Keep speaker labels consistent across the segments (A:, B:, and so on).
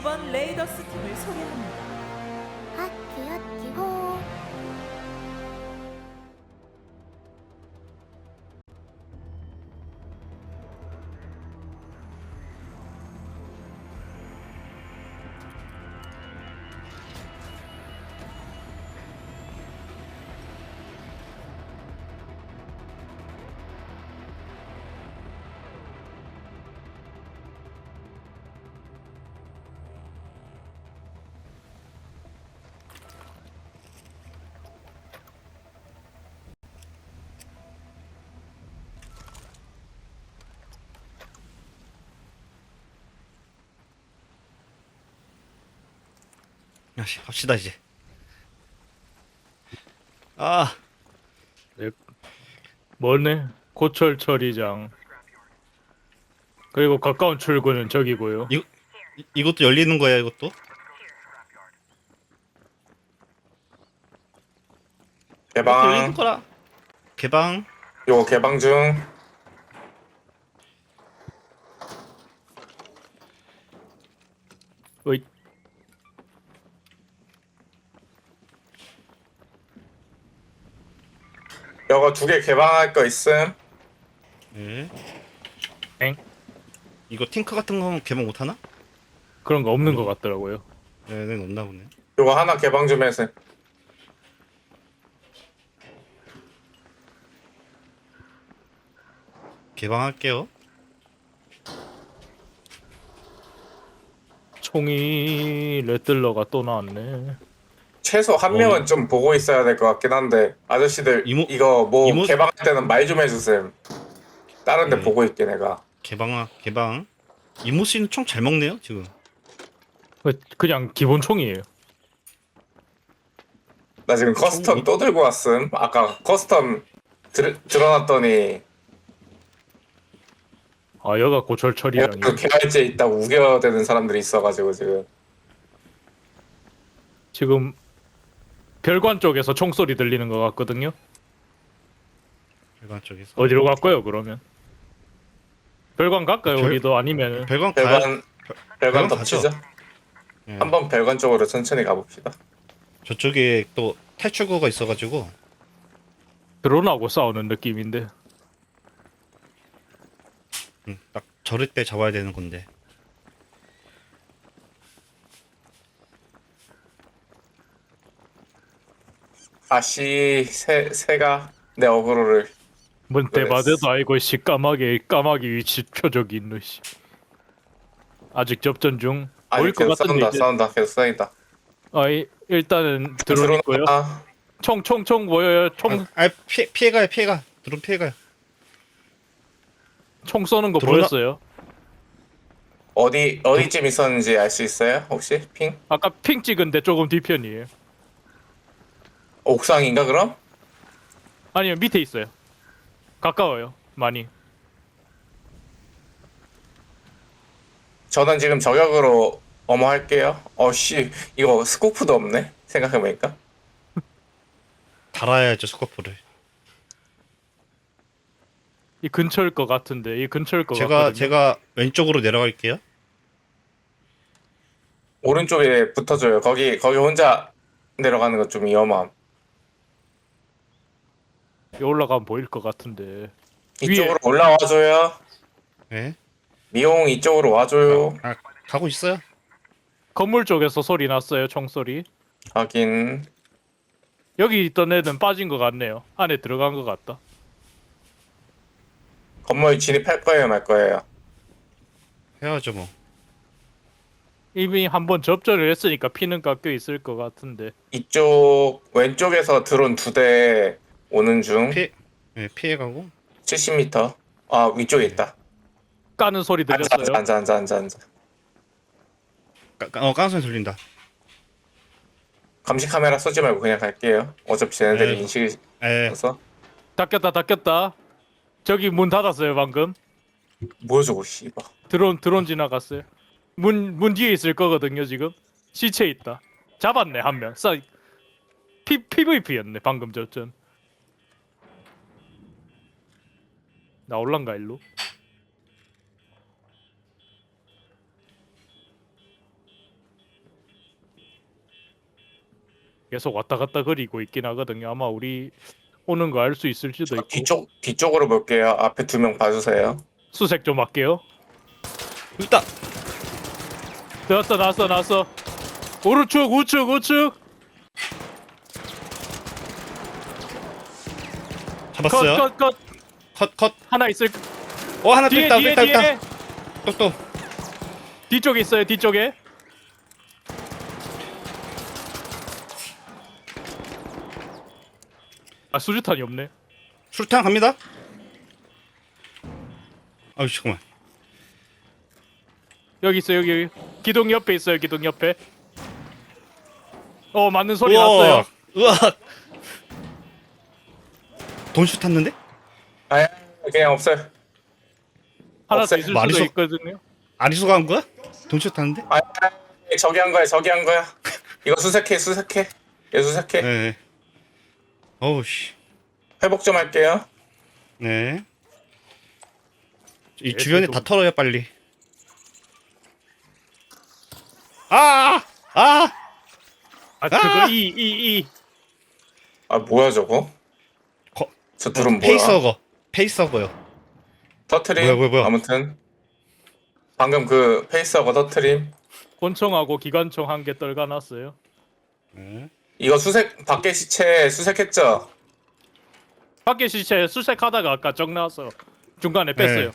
A: 이번 레이더스 팀을 소개합니다.
B: 핫기핫기호.
C: 야씨 갑시다 이제. 아
D: 네. 뭐네? 고철 처리장. 그리고 가까운 출구는 저기고요.
C: 이것도 열리는 거야 이것도? 이것도 열리는
E: 개방.
C: 거라. 개방.
E: 요거 개방 중.
D: 어이,
E: 요거 2개 개방할 거 있음.
C: 네.
D: 엥?
C: 이거 탱크 같은 거 개방 못 하나?
D: 그런 거 없는 것 같더라고요.
C: 네, 네 없나 보네.
E: 요거 하나 개방 좀 해서.
C: 개방할게요.
D: 총이 레틀러가 또 나왔네.
E: 최소 한 명은 좀 보고 있어야 될 것 같긴 한데 아저씨들
C: 이모-
E: 이거 뭐
C: 이모-
E: 개방할 때는 말 좀 해주셈. 다른 데
C: 네.
E: 보고 있게 내가.
C: 개방. 이모 씨는 총 잘 먹네요 지금.
D: 그냥 기본 총이에요.
E: 나 지금 커스텀 또 들고 왔음. 아까 커스텀 들어놨더니
D: 아, 여가 고철 처리장이.
E: 그 개활제 있다고 우겨대는 사람들이 있어가지고 지금.
D: 지금 별관 쪽에서 총소리 들리는 것 같거든요.
C: 별관 쪽에서.
D: 어디로 갈까요, 그러면? 별관 갈까요,
C: 별-
D: 우리도? 아니면
C: 별관 가야.
E: 별관
C: 별관
E: 덮치죠.
C: 네.
E: 한번 별관 쪽으로 천천히 가봅시다.
C: 저쪽에 또 탈출구가 있어가지고.
D: 드론하고 싸우는 느낌인데.
C: 딱 저럴 때 잡아야 되는 건데.
E: 아씨 새가 내 어그로를.
D: 뭔 대바대도 아니고 씨 까마귀 위치 표적이 있노 씨. 아직 접전 중.
E: 아니
D: 보일 것
E: 계속
D: 같은데
E: 싸운다
D: 이제.
E: 싸운다 계속 싸운다.
D: 일단은 드론 있고요. 총 뭐예요?
C: 피해가요. 드론 피해가요.
D: 총 쏘는 거
C: 드론
D: 보였어요?
E: 어디쯤 있었는지 알 수 있어요? 혹시 핑?
D: 아까 핑 찍은 데 조금 뒤편이에요.
E: 옥상인가 그럼?
D: 아니요, 밑에 있어요. 가까워요, 많이.
E: 저는 지금 저격으로 어머 할게요. 어씨 이거 스코프도 없네. 생각해보니까.
C: 달아야죠 스코프를.
D: 이 근처일 것 같은데, 이 근처일 것 같거든요.
C: 제가 왼쪽으로 내려갈게요.
E: 오른쪽에 붙어줘요. 거기 혼자 내려가는 거 좀 위험함.
D: 여기 올라가면 보일 것 같은데.
E: 이쪽으로 올라와줘요.
C: 네.
E: 미용 이쪽으로 와줘요.
C: 아 가고 있어요.
D: 건물 쪽에서 소리 났어요, 총소리.
E: 하긴.
D: 여기 있던 애는 빠진 것 같네요. 안에 들어간 것 같다.
E: 건물 진입할 거예요, 말 거예요?
C: 해야죠 뭐.
D: 이미 한번 접전을 했으니까 피는 깎여 있을 것 같은데.
E: 이쪽 왼쪽에서 드론 2대 오는 중.
C: 피해가고.
E: 70m. 아 위쪽에 있다.
D: 까는 소리 들렸어요.
E: 앉아.
C: 깡소리 들린다.
E: 감시 카메라 쏘지 말고 그냥 갈게요. 어차피 쟤네들이
C: 네.
E: 인식이
C: 에.
E: 있어서.
D: 닫혔다. 저기 문 닫았어요, 방금.
E: 뭐야 저거 씨발.
D: 드론 지나갔어요. 문 뒤에 있을 거거든요, 지금. 시체 있다. 잡았네, 한 명. PVP였네, 방금 저전. 나올란가, 일로? 계속 왔다 갔다 거리고 있긴 하거든요. 아마 우리 오는 거 알 수 있을지도 있고.
E: 뒤쪽으로 볼게요. 앞에 2명 봐주세요.
D: 수색 좀 할게요.
C: 일단
D: 나왔어. 오른쪽 우측.
C: 잡았어요.
D: 컷.
C: 컷.
D: 하나 있을.
C: 하나 또
D: 뒤에
C: 있다. 또.
D: 뒤쪽에 있어요. 뒤쪽에. 아 수류탄이 없네.
C: 술탄 갑니다. 아유 잠깐만.
D: 여기 있어요. 여기. 기둥 옆에 있어요. 기둥 옆에. 맞는 소리
C: 우와.
D: 났어요.
C: 우와. 돈슛 탔는데?
E: 아, 그냥 없어요.
D: 하나 더
E: 없어요.
D: 있을 수도
C: 마리소-
D: 있거든요.
C: 아리수가 한 거야? 돈슛 탔는데?
E: 아, 저기 한 거야. 이거 수색해. 얘 수색해.
C: 네. 어우 씨.
E: 회복 좀 할게요.
C: 네. 이
D: 네,
C: 주변에
D: 저도-
C: 다 털어요 빨리. 아!
D: 그거 이.
E: 아, 뭐야 저거?
C: 거-
E: 저 둘은 뭐야?
C: 페이서거요.
E: 터트림.
C: 뭐야.
E: 아무튼 방금 그 페이스하고 터트림.
D: 권총하고 기관총 한 개 떨가놨어요.
C: 네.
E: 이거 밖에 시체 수색했죠?
D: 밖에 시체 수색하다가 아까 적 나와서 중간에 뺐어요.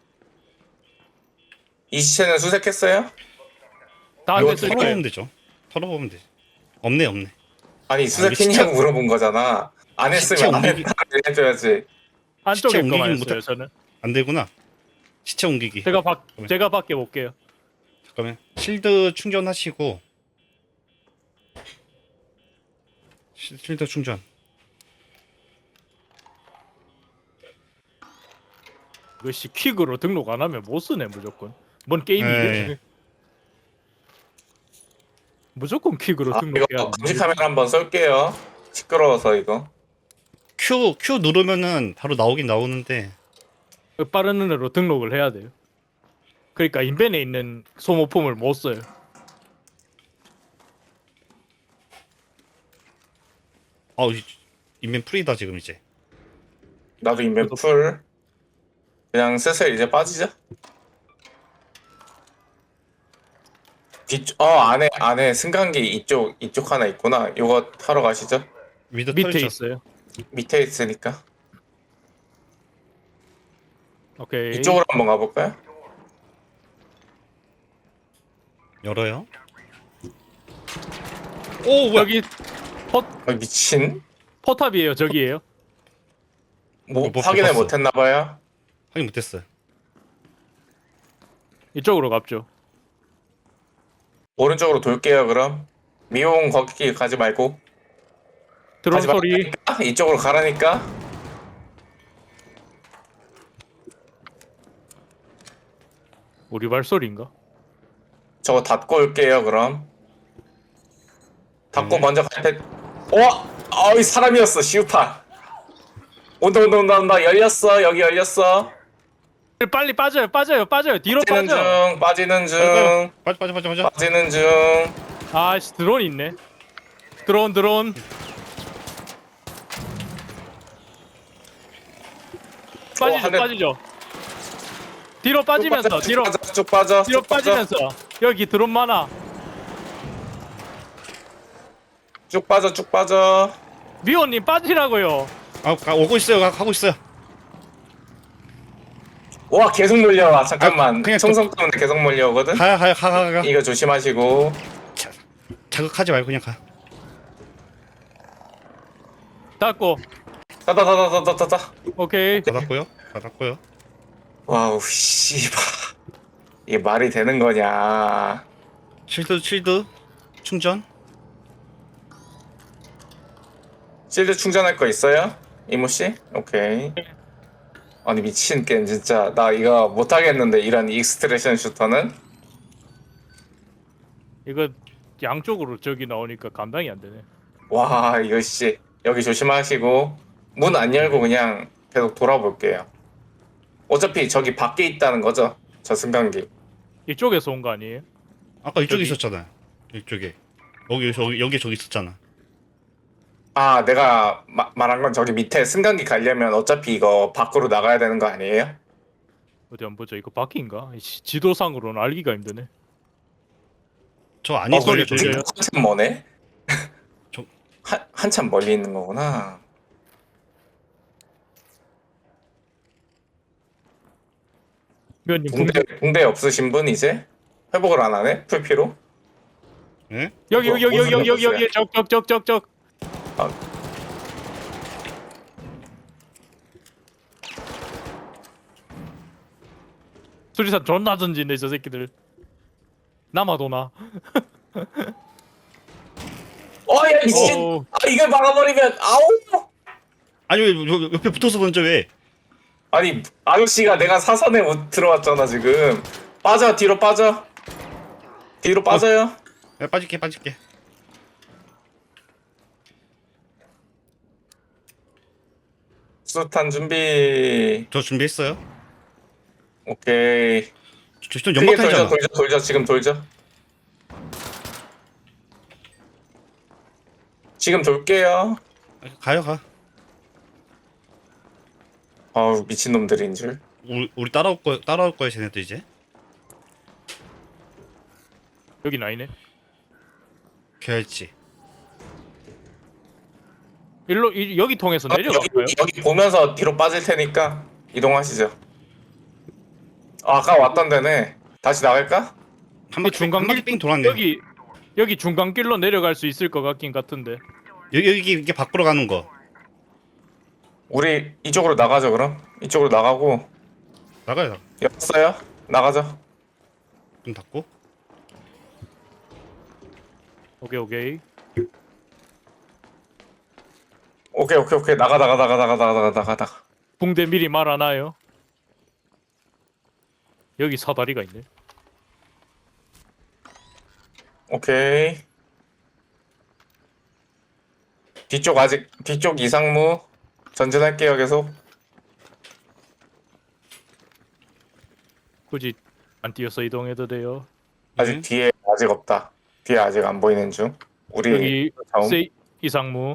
E: 이 시체는 수색했어요?
D: 다 안
E: 이거
D: 됐을
C: 털어보면
D: 거예요.
C: 되죠. 털어보면 되지. 없네.
E: 아니 수색했냐고 물어본 거잖아. 안
C: 시체
E: 했으면 안
C: 옮기기-
E: 했다 해줘야지.
D: 안쪽에
C: 시체
D: 거만
C: 옮기긴
D: 했어요. 저는.
C: 안 되구나. 시체 옮기기.
D: 제가 밖에 볼게요.
C: 잠깐만. 실드 충전하시고. 실드 충전.
D: 이것이 퀵으로 등록 안 하면 못 쓰네 무조건. 뭔 게임이
C: 네.
D: 이래? 무조건 퀵으로
E: 아, 이거
D: 등록해야.
E: 감시 카메라 한번 쏠게요. 시끄러워서 이거.
C: Q 누르면은 바로 나오긴 나오는데.
D: 빠른 눈으로 등록을 해야 돼요. 그러니까 인벤에 있는 소모품을 못 써요.
C: 인벤 풀이다 지금 이제.
E: 나도 인벤 풀. 그냥 슬슬 이제 빠지자. 안에 승강기 이쪽 하나 있구나. 이거 타러 가시죠.
C: 밑에
D: 밑에
C: 털죠.
D: 있어요.
E: 밑에 있으니까.
D: 오케이.
E: 이쪽으로 한번 가볼까요?
C: 열어요. 오 뭐야?
D: 여기
E: 미친.
D: 포탑이에요. 저기예요.
E: 뭐
C: 못
E: 확인을
C: 봤어.
E: 못했나봐요.
C: 확인 못했어요.
D: 이쪽으로 갑죠.
E: 오른쪽으로 돌게요. 그럼 미용 거기 가지 말고.
D: 드론
E: 가지
D: 소리.
E: 말라니까? 이쪽으로 가라니까.
D: 우리 발소리인가?
E: 저거 닫고 올게요. 그럼 닫고
C: 네.
E: 먼저 갈 때. 이 사람이었어. 시우파. 온다. 열렸어. 여기 열렸어.
D: 빨리 빠져요. 뒤로
E: 빠지는
D: 빠져.
E: 중. 빠지는 중.
C: 빠져.
E: 빠지는 중.
D: 아씨 드론 있네. 드론.
E: 한 대-
D: 빠지죠. 뒤로 빠지면서 뒤로
E: 쭉 빠져.
D: 빠지면서 여기 드론 많아.
E: 쭉 빠져.
D: 미호님 빠지라고요.
C: 오고 있어요. 가고 있어요.
E: 와, 계속 몰려와. 잠깐만.
C: 그냥
E: 총성 때문에 계속 몰려오거든.
C: 가.
E: 이거 조심하시고.
C: 자극하지 말고 그냥 가.
D: 닫고.
E: 따다다다다다다.
D: 오케이.
C: 닫았고요.
E: 와우, 씨발. 이게 말이 되는 거냐.
C: 실드 충전.
E: 실드 충전할 거 있어요? 이모 씨? 오케이. 아니 미친 게임 진짜 나 이거 못 하겠는데 이런 익스트레션 슈터는.
D: 이거 양쪽으로 저기 나오니까 감당이 안 되네.
E: 와, 이거 씨. 여기 조심하시고 문 안 열고 그냥 계속 돌아볼게요. 어차피 저기 밖에 있다는 거죠? 저 승강기.
D: 이쪽에서 온 거 아니에요?
C: 아까 이쪽에
D: 저기.
C: 있었잖아요. 이쪽에. 여기 저기 있었잖아.
E: 아, 내가 말한 건 저기 밑에 승강기 가려면 어차피 이거 밖으로 나가야 되는 거 아니에요?
D: 어디 한번 보자. 이거 바퀴인가? 지도상으로는 알기가 힘드네.
C: 저 안에
D: 소리
C: 걸려.
D: 들려요?
E: 한참 머네?
C: 저-
E: 한참 멀리 있는 거구나.
D: 위원님
E: 붕대 없으신 분 이제? 회복을 안 하네? 풀피로?
C: 예?
D: 여기 여기 여기 여기 여기 여기 여기 적적적적적.
E: 아.
D: 수리산 존나 던지네 저 새끼들. 남아도나.
E: 야, 미친!
D: 어.
E: 아, 이걸 막아버리면, 아우!
C: 아니 왜 옆에 붙어서 던져 왜?
E: 아니, 아저씨가 내가 사선에 못 들어왔잖아, 지금. 빠져, 뒤로 빠져. 뒤로 빠져요.
C: 야, 빠질게.
E: 수탄 준비.
C: 저 준비했어요.
E: 오케이.
C: 저
E: 크게
C: 연막탄이잖아.
E: 돌죠. 지금 돌죠. 지금 돌게요.
C: 가요 가.
E: 아우, 미친놈들인 줄.
C: 우리 따라올 거야 쟤네들 이제.
D: 여기 나이네.
C: 걔였지.
D: 일로 여기 통해서 내려갈까요?
E: 여기 보면서 뒤로 빠질 테니까 이동하시죠. 아까 왔던 데네. 다시 나갈까?
C: 한 바퀴
D: 중간
C: 한 바퀴 삥 돌았네.
D: 여기 중간길로 내려갈 수 있을 것 같긴 같은데.
C: 여기 이게 밖으로 가는 거.
E: 우리 이쪽으로 나가죠, 그럼. 이쪽으로 나가고.
C: 나가요.
E: 였어요? 나가죠.
C: 문 닫고.
D: 오케이.
E: 오케이. 나가.
D: 붕대 미리 말아놔요. 여기 사다리가 있네.
E: 오케이. 뒤쪽 이상무 전진할게요, 계속.
D: 굳이 안 뛰어서 이동해도 돼요.
E: 아직 뒤에 아직 없다. 뒤에 아직 안 보이는 중. 우리
D: 여기
E: 다음.
D: 이상무.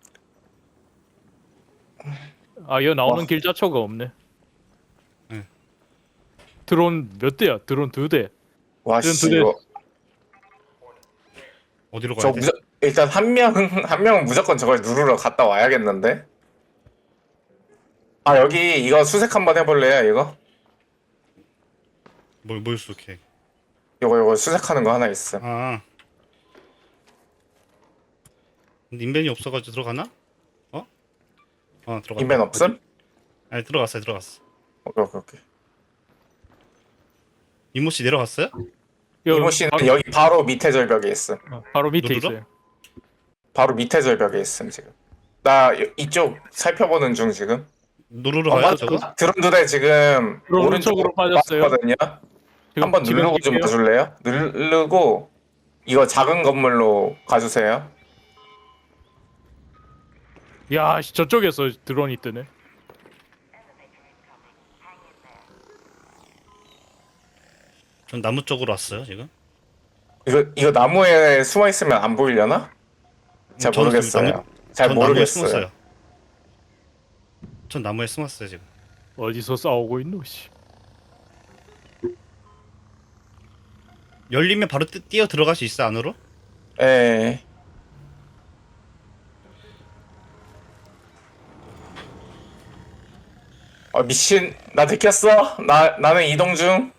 D: 여 나오는
E: 와.
D: 길 자체가 없네.
C: 응.
D: 드론 몇 대야? 드론 2대.
E: 와씨
D: 네.
E: 이거
C: 어디로 가야 돼?
E: 일단 한 명은 무조건 저걸 누르러 갔다 와야겠는데. 아, 여기 이거 수색 한번 해볼래요, 이거?
C: 뭘 수색해?
E: 요거 수색하는 거 하나 있음.
C: 아. 근데 인벤이 없어가지고 들어가나? 들어갔다.
E: 인벤 없음?
C: 아니 들어갔어.
E: 오케이.
C: 이모 씨 내려갔어요?
E: 이모 씨는 여기 바로 밑에 절벽에 있음.
D: 바로 밑에
C: 누르러?
D: 있어요.
E: 바로 밑에 절벽에 있음 지금. 나 이쪽 살펴보는 중 지금.
C: 누르러 가요 저거?
E: 드론 2대 지금
D: 드론
E: 오른쪽으로
D: 오른쪽으로 빠졌어요.
E: 빠졌거든요. 한번 누르고 좀 봐줄래요? 누르고 이거 작은 건물로 가주세요.
D: 야, 저쪽에서 드론이 뜨네.
C: 전 나무 쪽으로 왔어요 지금.
E: 이거 나무에 숨어 있으면 안 보이려나? 잘
C: 저는
E: 모르겠어요. 잘
C: 전 나무에
E: 모르겠어요.
C: 숨었어요. 전 나무에 숨었어요 지금.
D: 어디서 싸우고 있노 씨.
C: 열리면 바로 뛰어 들어갈 수 있어 안으로?
E: 예. 미친. 나 들켰어. 나는 이동 중.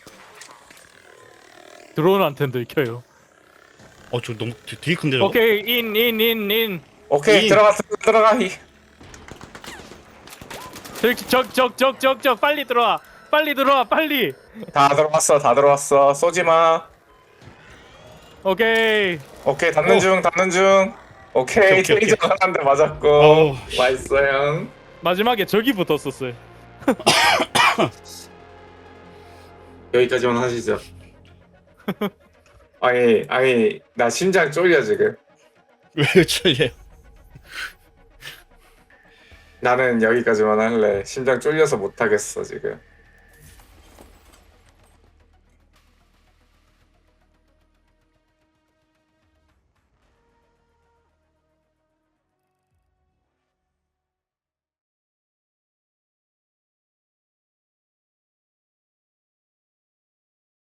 D: 드론한테 들켜요.
C: 저 너무 되게 큰데 저거.
D: 오케이, 인.
E: 오케이, 들어가.
D: 적 빨리 들어와. 빨리.
E: 다 들어왔어. 쏘지 마.
D: 오케이.
E: 오케이, 닫는 중. 오케이,
C: 오케이.
E: 테이저 한 대 맞았고.
C: 어우,
E: 맛있어요.
D: 마지막에 적이 붙었었어요.
E: 여기까지만 하시죠. 아니, 나 심장 쫄려 지금.
C: 왜 저래요?
E: 나는 여기까지만 할래. 심장 쫄려서 못 하겠어 지금.